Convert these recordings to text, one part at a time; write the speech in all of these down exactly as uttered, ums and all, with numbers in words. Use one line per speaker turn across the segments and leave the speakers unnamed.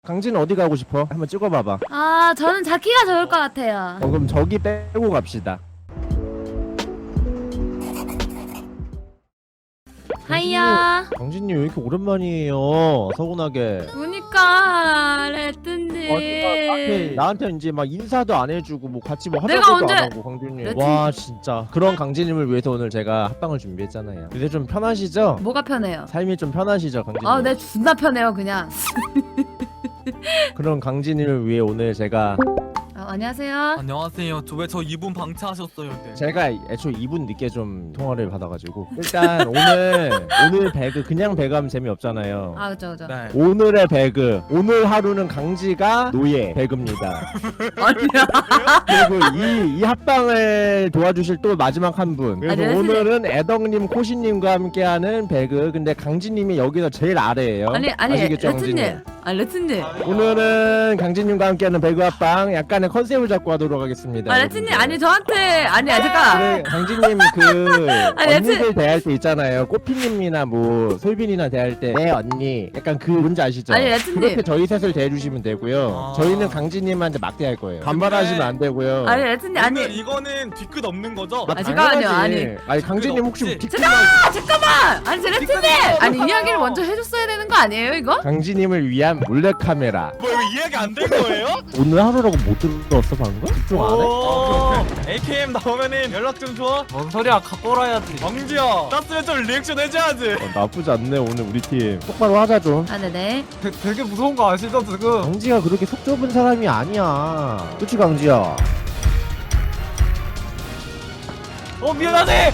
강진은 어디 가고 싶어? 한번 찍어봐봐.
아, 저는 자키가 좋을 것 같아요.
어, 그럼 저기 빼고 갑시다.
하이야.
강진님 왜 이렇게 오랜만이에요? 서운하게.
보니까 레트님.
어디가 나한테, 나한테 이제 막 인사도 안 해주고 뭐 같이 뭐
내가
하자고도
언제-
안 하고 강진님.
레트-
와 진짜 그런 강진님을 위해서 오늘 제가 합방을 준비했잖아요. 요새 좀 편하시죠?
뭐가 편해요?
삶이 좀 편하시죠 강진님?
아, 내 존나 편해요, 그냥.
그런 강진님을 위해 오늘 제가
아, 안녕하세요.
안녕하세요. 저 왜 저 이 분 방치하셨어요? 네.
제가 애초에 이 분 늦게 좀 통화를 받아가지고 일단 오늘 오늘 배그 그냥 배그하면 재미없잖아요.
아, 그죠, 그죠.
네.
오늘의 배그 오늘 하루는 강지가 노예 배그입니다.
아니야.
그리고 이, 이 합방을 도와주실 또 마지막 한 분. 그래서
아니,
오늘은 애덕님, 코시님과 함께하는 배그. 근데 강진님이 여기서 제일 아래예요.
아니, 아니,
아시겠죠,
레트님.
강진님?
아, 레트님.
오늘은 강진님과 함께하는 배그 합방 약간의 컨셉을 잡고 하도록 하겠습니다.
아, 레트님. 아니, 저한테. 아니, 아, 잠깐.
그래, 강진님 그
아니,
언니들 대할 때 있잖아요. 꼬피님이나 뭐 솔빈이나 대할 때 네 언니 약간 그 뭔지 아시죠?
아니, 레트님.
그렇게 저희 셋을 대해주시면 되고요.
아.
저희는 강진님한테 막대할 거예요. 반발하시면 안 되고요.
아니, 레트님.
오늘
아니.
이거는 뒤끝 없는 거죠?
아,
아, 잠깐만요,
당연하지. 아니 강진님 혹시
없지.
뒷끝
아, 잠깐만. 아니, 저 레트님. 아니,
잠깐만요.
이야기를 먼저 해줬어야 되는 거 아니에요, 이거?
강진님을 위한 몰래카메라.
뭐 이거 이해가 안 된 거예요?
오늘 하루라고 못 들었어 방금? 집중 안 해?
오, 에이케이엠 나오면은 연락 좀 줘.
뭔 소리야, 갖고 오라야지.
왕지야, 땄으면 좀 리액션 해줘야지.
어, 나쁘지 않네 오늘 우리 팀. 똑바로 하자 좀.
아, 네네.
되, 되게 무서운 거 아시죠, 지금?
강지가 그렇게 속 좁은 사람이 아니야. 그치 강지야?
어, 미안하네!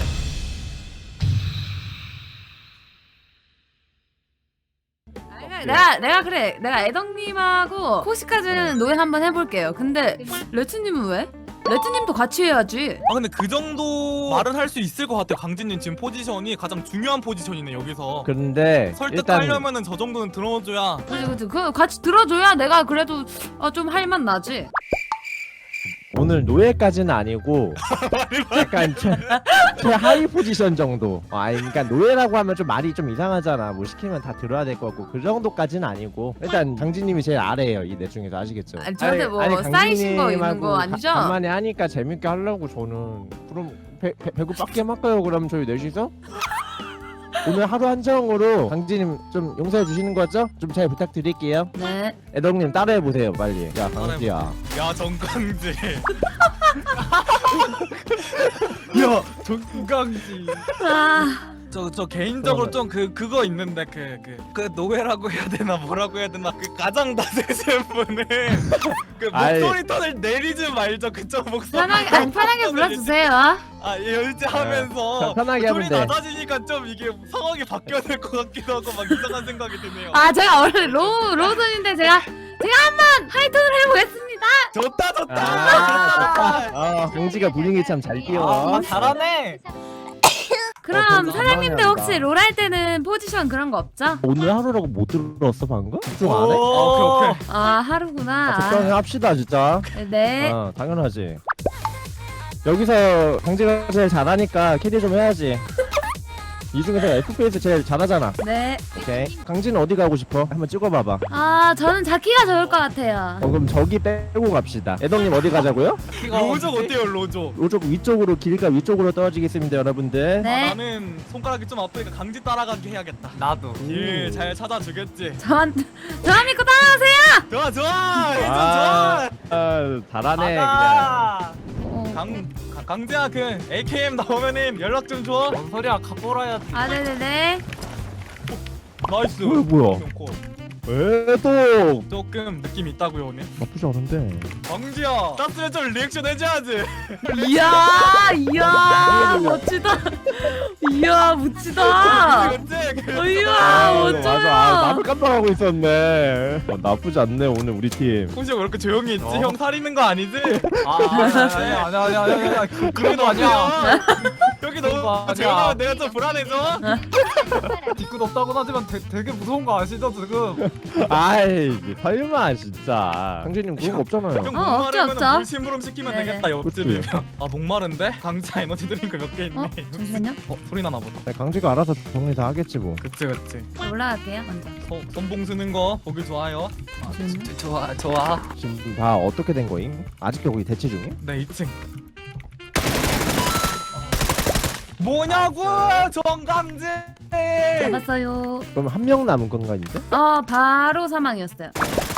아니, 내가 내가 그래 내가 애덕님하고 코시까지는 노예 한번 해볼게요. 근데 레트님은 왜? 레트님도 같이 해야지.
아 근데 그 정도 말은 할 수 있을 것 같아요. 강진님 지금 포지션이 가장 중요한 포지션이네 여기서.
근데 일단
설득하려면은 저 정도는 들어줘야.
그치 그치 그 같이 들어줘야 내가 그래도 어, 좀 할 맛 나지.
오늘 노예까지는 아니고 약간 최, 최하위 포지션 정도. 어, 아니 그러니까 노예라고 하면 좀 말이 좀 이상하잖아. 뭐 시키면 다 들어야 될 것 같고 그 정도까지는 아니고 일단 강진님이 제일 아래예요 이 넷 중에서. 아시겠죠?
아니, 저한테 뭐 쌓이신 거 있는
강진님하고
거 아니죠?
가- 간만에 하니까 재밌게 하려고 저는. 그럼 배, 배, 배구 빡게 할까요 그럼 저희 넷이서? 오늘 하루 한정으로 강진님 좀 용서해 주시는 거죠? 좀 잘 부탁드릴게요.
네.
애덕님 따라해 보세요 빨리. 야 강지야.
야 정강지.
야, 정강지.
아
저 저 개인적으로 좀 그 그거 있는데 그 그 그 노예라고 해야 되나 뭐라고 해야 되나 그 가장 낮으신 분은 그
아이.
목소리 톤을 내리지 말죠. 그쪽 목소리.
편하게 아니 편하게 불러주세요.
아 예, 열지하면서
네. 편하게 하면
톤이
돼.
낮아지니까 좀 이게 상황이 바뀌어야 될 것 같기도 하고 막 이상한 생각이 드네요.
아 제가 원래 로우 로우톤인데 제가 제가 한번 하이톤을 해보겠습니다.
좋다 좋다.
아, 좋다. 아, 강지가 분위기 참 잘 띄워.
아, 잘하네.
그럼
어,
사장님들
너무하다.
혹시 롤 할 때는 포지션 그런 거 없죠?
오늘 하루라고 못 들었어 방금? 집중 안 해?
오,
오케이 오케이.
아 하루구나.
아, 적당히 합시다 진짜.
네.
어, 당연하지. 여기서 강지가 제일 잘하니까 캐리 좀 해야지. 이 중에서 에프피에스 제일 잘하잖아.
네.
오케이. 강지는 어디 가고 싶어? 한번 찍어봐봐.
아 저는 자키가 좋을 것 같아요.
어, 그럼 저기 빼고 갑시다. 애덕님 어디 가자고요?
로족 어때요 로족?
이쪽 위쪽으로 길가 위쪽으로 떨어지겠습니다 여러분들.
네.
아, 나는 손가락이 좀 아프니까 강지 따라가게 해야겠다.
나도.
길 잘 찾아주겠지.
저한 저한 믿고 따라오세요.
좋아 좋아. 해준
아,
좋아.
아, 잘하네 그냥.
가자.
어.
강 가- 강지야 그 에이케이엠 나오면은 연락 좀 줘.
뭔 소리야, 갖고 오라야지.
아 네네네.
나이스.
뭐야, 뭐야.
콜.
에도
조금 느낌 있다고요 오늘.
나쁘지 않은데.
강지야 땄으면 좀 리액션 해줘야지.
이야 이야 멋지다. 이야 멋지다.
그치? 그-
이야
아, 맞아. 아,
멋져요.
나도 깜빡하고 있었네. 어, 나쁘지 않네 오늘 우리 팀.
혹시 왜 이렇게 조용히 있지?
어.
형 살이는 거 아니지?
아, 아니야, 아니야, 아니야, 아니야, 아니야. 그- 그런 거 아니야.
여기
그런 거
너무
아니야.
조용하면 내가 좀 불안해져.
뒤끝 없다고 하지만 되, 되게 무서운 거 아시죠, 지금?
아이 설마 진짜 강진님 그런 거 없잖아요.
형
어, 없죠,
목마르면
없죠.
물 심부름 시키면
네네.
되겠다 옆집이면. 아 목마른데? 강자 에너지 드링크 몇 개 있네.
어? 잠시만요.
어 소리 나나 보다.
네, 강지가 알아서 정리 다 하겠지 뭐.
그치 그치.
올라갈게요 먼저.
소, 손봉 쓰는 거 보기 좋아요. 아,
잠시만요.
진짜 좋아 좋아.
지금 다 어떻게 된 거임? 아직도 거기 대치 중이야?
네 이 층. 뭐냐고 정강진.
잡았어요.
그럼 한 명 남은 건가 이제?
어 바로 사망이었어요.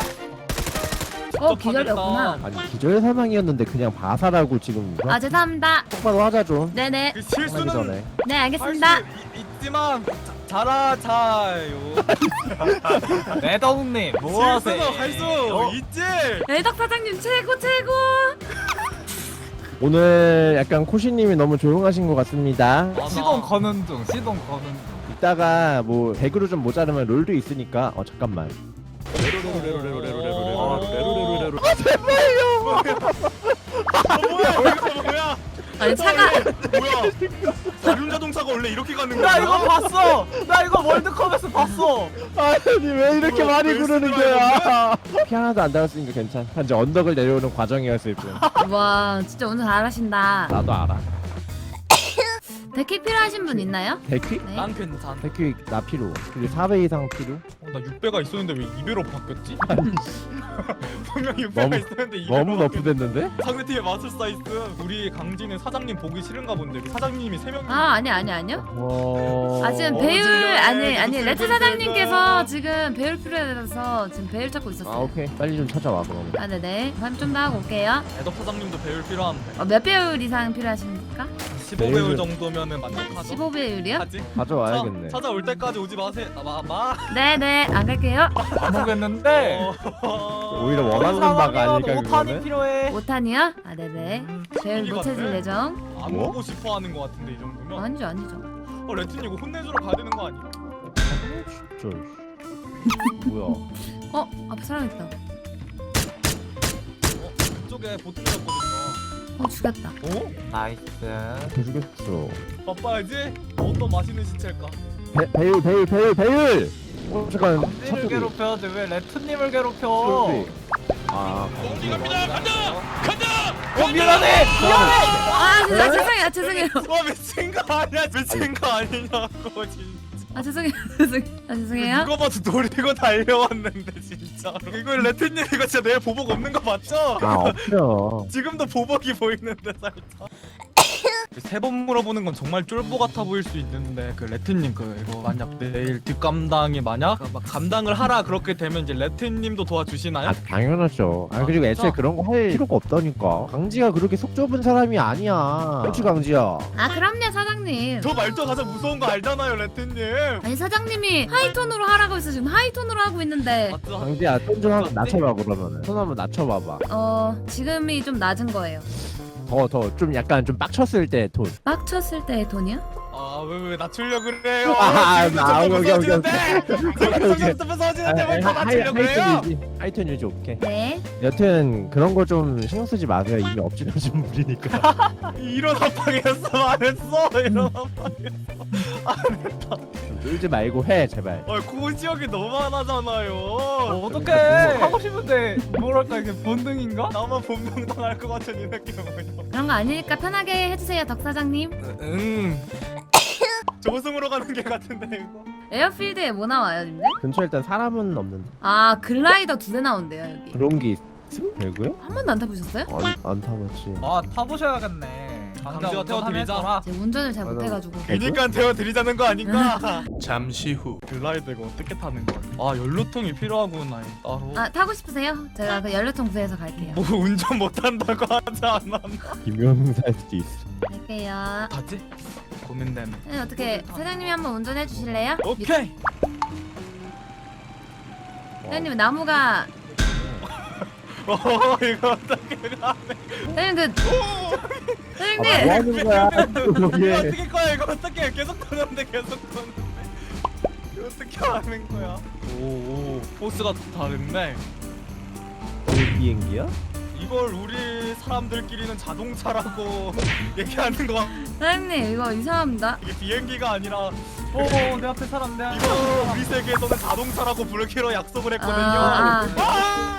어 기절이었구나.
아니 기절 사망이었는데 그냥 바사라고 지금
아 죄송합니다.
똑바로 하자 좀.
네네.
그
하기
실수는
전에.
네
할
알겠습니다.
수 있지만 자- 잘하자요.
애덕님 뭐 하세요?
실수는 할수
어?
있지.
애덕 사장님 최고 최고.
오늘 약간 코시님이 너무 조용하신 것 같습니다.
맞아.
시동 거는 중 시동 거는 중
이따가 뭐 백으로 좀 모자르면 롤도 있으니까 어 잠깐만.
아 뭐야 여기서 뭐야?
아니 차가
뭐야? 자륜 자동차가 원래 이렇게 가는 거야?
나 이거 봤어 나 이거 월드컵에서 봤어
아니 왜 이렇게
뭐야,
많이
왜
그러는
쓰는
거야? 피 하나도 안 닿았으니까 괜찮아. 이제 언덕을 내려오는 과정이었을 뿐.
와 진짜 운전 잘하신다.
나도 알아.
데키 필요하신 분 있나요?
백퀴?
네.
난 괜찮아.
백퀴 나 필요. 그리고 사 배 이상 필요?
어, 나 육 배가 있었는데 왜 이 배로 바뀌었지? 분명 육 배가
너무-
있었는데 이 배로
너무
바뀌었지.
너프됐는데?
상대팀의 마술사 있음. 우리 강진은 사장님 보기 싫은가 본데 사장님이 세 명이.
아 아니 아니 아니요.
어...
아 지금
어,
배율
진짜.
아니 아니
무슨
레트
배율
사장님께서 지금 배율 필요해서 지금 배율 찾고
아
있었어요.
오케이 빨리 좀 찾아와 그러면.
아 네네. 그럼 좀 더 하고 올게요.
애덕 사장님도 배율 필요한데.
어, 몇 배율 이상 필요하십니까?
십오 배율
배율은-
정도면은 만족하죠.
십오 배율이요?
하지?
가져와야겠네.
차- 찾아올 때까지 오지 마세요. 아, 마 마.
네네 안 갈게요.
안 오겠는데
어...
오히려 원하는 바가 아닐까
오 탄이
그거는?
필요해
오 탄이요? 아 네네.
음,
배율
분위기
못 찾을
같네.
예정.
안
뭐?
보고 싶어 하는 거 같은데 이 정도면.
아니죠 아니죠.
어 레튼 이거 혼내주러 가야 되는 거 아니야?
진짜. 뭐야?
어 앞에 사람 있다.
어 그쪽에 보트였거든요.
어 죽였다.
어?
나이스
해주겠어.
바빠야지. 어떤 맛있는 시체일까?
배, 배율 배율 배율 배율. 어 잠깐.
강진을
차 소리.
괴롭혀야지 왜 레트님을
차
괴롭혀
소리. 아.
갑니다 간다 간다.
어 미안해 미안해
아 진짜 아, 죄송해요 아, 죄송해요.
와 미친 거 아니야 미친 거 아니냐고 진짜.
아 죄송해요 죄송해요. 아 죄송해요.
누가 봐도 노리고 달려왔는데 진짜. 이거 레트님 이거 진짜 내 보복 없는 거 맞죠?
아 없죠.
지금도 보복이 보이는데 살짝. 세 번 물어보는 건 정말 쫄보 같아 보일 수 있는데 그 레트님 그 이거 만약 내일 뒷감당이 만약 막 감당을 하라 그렇게 되면 이제 레트님도 도와주시나요?
아 당연하죠. 아 그리고 애초에
진짜?
그런 거 할 필요가 없다니까. 강지가 그렇게 속 좁은 사람이 아니야. 그렇지 강지야.
아 그럼요 사장님.
저 말투 가장 무서운 거 알잖아요 레트님.
아니 사장님이 하이톤으로 하라고 해서 지금 하이톤으로 하고 있는데
맞죠?
강지야 톤 좀 한번 낮춰봐 그러면은. 톤 한번 낮춰봐봐.
어 지금이 좀 낮은 거예요.
더 더 좀 약간 좀 빡쳤을 때 톤.
막 쳤을 때의 톤이요?
아왜 왜 낮추려 그래요?
아,
지금도
아,
점점
오케이, 오케이,
무서워지는데. 지금 점점 무서워지는데 왜 더 낮추려 그래요?
하이톤 유지. 하이톤 유지 오케이.
네.
여튼 그런 거 좀 신경 쓰지 마세요. 이미 엎질러진 물이니까.
이런 합방이었어 안 했어 이런 합방.
좀 놀지 말고 해 제발.
아 고지역이 너무 많아잖아요.
어떡해 하고 싶은데 뭐랄까 이게 본능인가?
나만 본명 당할 것 같은 이 느낌 뭐냐?
그런 거 아니니까 편하게 해주세요 덕 사장님.
응. 조승으로 가는 게 같은데 이거.
에어필드에 뭐 나와요 님들?
근처에 일단 사람은 없는데.
아 글라이더 두 대 나온대요 여기.
그런 게 있음? 되고요?
한 번도 안 타보셨어요?
안, 안 타봤지.
아 타보셔야겠네
강제가 태워드리자.
제가 운전을 잘
맞아.
못해가지고.
그니까 태워드리자는 거 아닌가?
잠시 후
글라이드 이거 어떻게 타는 거야? 아 연료통이 필요하구나 따로.
아 타고 싶으세요? 제가 그 연료통 구해서 갈게요.
뭐 운전 못한다고 하지 않았나?
김영사일 수도 있어.
갈게요.
가지? 고민되네.
네, 어떻게 사장님이 한번 운전해 주실래요?
오케이.
사장님 나무가
어 이거 어떻게 가네?
사장님 그
아, 뭐
사장님
하는 거야?
이거
거기에.
어떻게 거야? 이거 어떻게 계속 도는데 계속 도는데 이거 어떻게 하는 거야? 오오 포스가 다른데
그 비행기야?
이걸 우리 사람들끼리는 자동차라고 얘기하는 거
사장님 이거 이상합니다.
이게 비행기가 아니라
어내 앞에 사람 내 앞에
이거 우리 세계에서는 자동차라고 부르기로 약속을 했거든요.
아, 아.
아!